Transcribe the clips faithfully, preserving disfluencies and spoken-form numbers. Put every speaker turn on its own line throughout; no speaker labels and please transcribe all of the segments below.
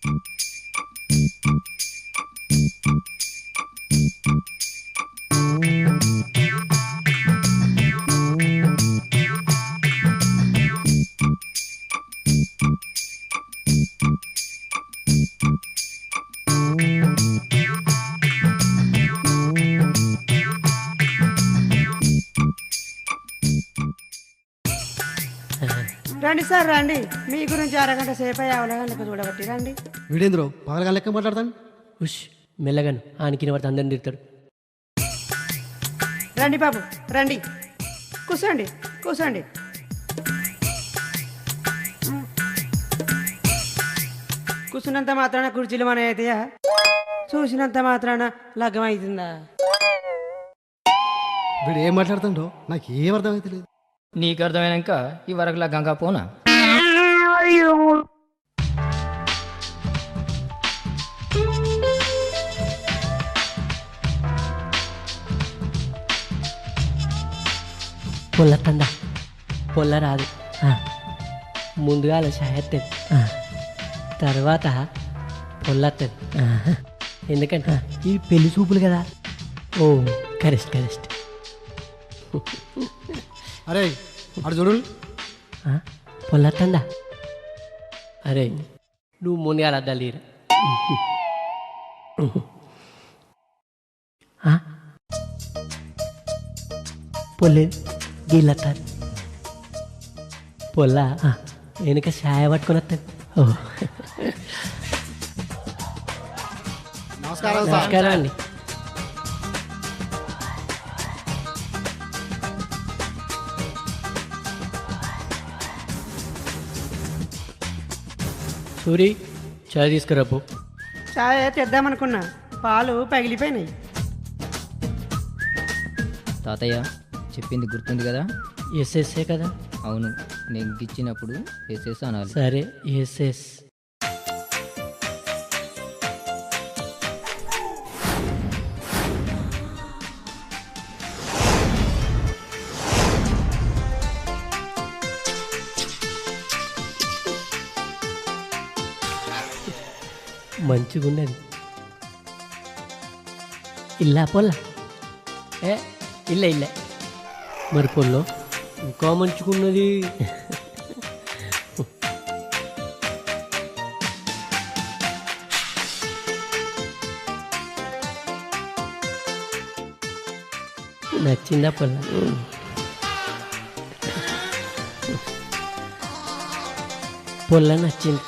రండి సార్ రండి, మీ గురించి అరగంట సేపు అవలగా లెక్క చూడబట్టి రండి.
వీడేంద్రో పగలగా లెక్క మాట్లాడతాను.
ఉష్ మెల్లగాను ఆనికి వాడు అందరిని తిడతాడు.
రండి బాబు రండి, కూర్చోండి కూర్చోండి. కూర్చున్నంత మాత్రాన కుర్చీలు మన అవుతాయా? చూసినంత మాత్రాన లగ్గం అవుతుందా?
వీడు ఏం మాట్లాడుతుండో నాకు ఏం అర్థమైతే లేదు.
నీకు అర్థమైనాక ఈ వరకులా గంగా పోనా?
పొల్ల తండ పొల్ల రాదు. ముందుగా అలా షాయత్తది, తర్వాత పొల్లత్తది. ఎందుకంటే ఈ పెళ్లి చూపులు కదా. ఓ కరెక్ట్ కరెక్ట్.
అరే అటు చూడు.
పొల్లత్తండ అరే నువ్వు ముందుగా అద్దాలి. పొల్లే గీళ్ళత్తారు. పొల్ల వెనుక సాయ పట్టుకొని వస్తుంది. ఓ
నమస్కారం సార్.
నమస్కారం అండి. సూరి చాయ్ తీసుకురాపు.
చాయ్ తెద్దామనుకున్నా, పాలు పగిలిపోయినాయి.
తాతయ్య చెప్పింది గుర్తుంది కదా?
ఎస్ఎస్ఏ కదా?
అవును, నేను గిచ్చినప్పుడు ఎస్ఎస్ అనాలి.
సరే ఎస్ఎస్. మంచిగున్నది. ఇల్లా పొల్ల ఏ ఇల్ల ఇల్ల మరి పొల్లో ఇంకా మంచిగున్నది. నచ్చిందా పొల్ల? పొల్ల నచ్చింది,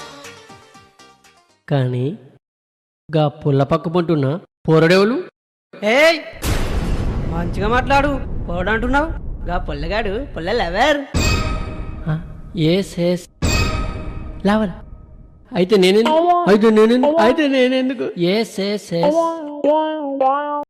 కానీ గా పుల్ల పక్క పంటున్నా పోరడేవులు.
ఏయ్ మంచిగా మాట్లాడు, పోడంటున్నావు. గా పొల్లగాడు పొల్ల లవర్.
Yes yes లావల్. అయితే నేనెందుకు అయితే నేనెందుకు అయితే నేనెందుకు ఎస్ ఎస్ ఎస్